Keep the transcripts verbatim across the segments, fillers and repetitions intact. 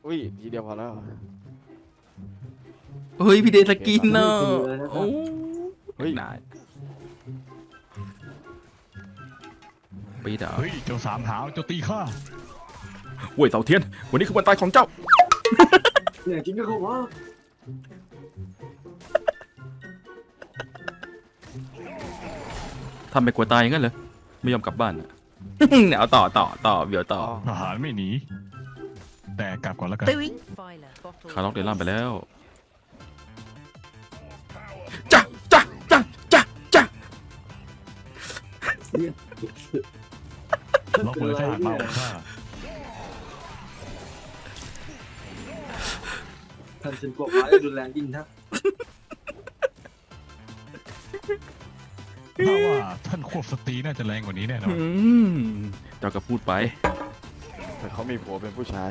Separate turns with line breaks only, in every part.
อุ้ยทีเดียวพอแล้ว
เฮ้ยพี่เดสกินเนาะโอ้เฮ้ยนายปีดา
เฮ้ยเจ้าสามหาวเจ้าตีข้า
เว้ยเสาเทียนวันนี้คือวันตายของเจ้า
เนี่ยจริงก็คือว่า
ทำไปกลัวตายอย่างนั้นเหรอไม่ยอมกลับบ้านอะ เนี่ยเอาต่อต่อต่อเดี๋ยวต่อ
ทหารไม่หนีแต่กลับก่อนแล้วกัน
คาร์ล็อกเดล่ามไปแล้วจ้ะจ้ะจ้ะจ้ะจ้ะ
ล็อกมือทหารมาของข้า
ท่านฉันกลัวฟ้าจะรุนแรงยิ่งนะ
ถ้าว่าท่านควบสตรีน่าจะแรงกว่านี้แน่นอน
อืมเจ้าก็พูดไป
แต่เขามีผัวเป็นผู้ชาย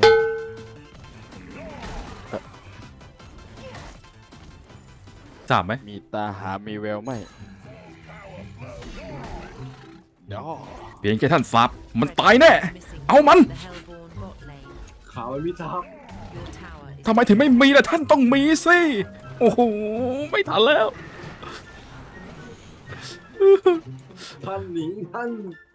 สามไหม
มีตาหามีแววไหมเดี๋ยว
เพียงแค่ท่านสาบมันตายแน่ เอามัน
ขาวมันมีทับ
ทำไมถึงไม่มีล่ะท่านต้องมีสิโอ้โหไม่ทันแล้ว
ท่านหนิงท่าน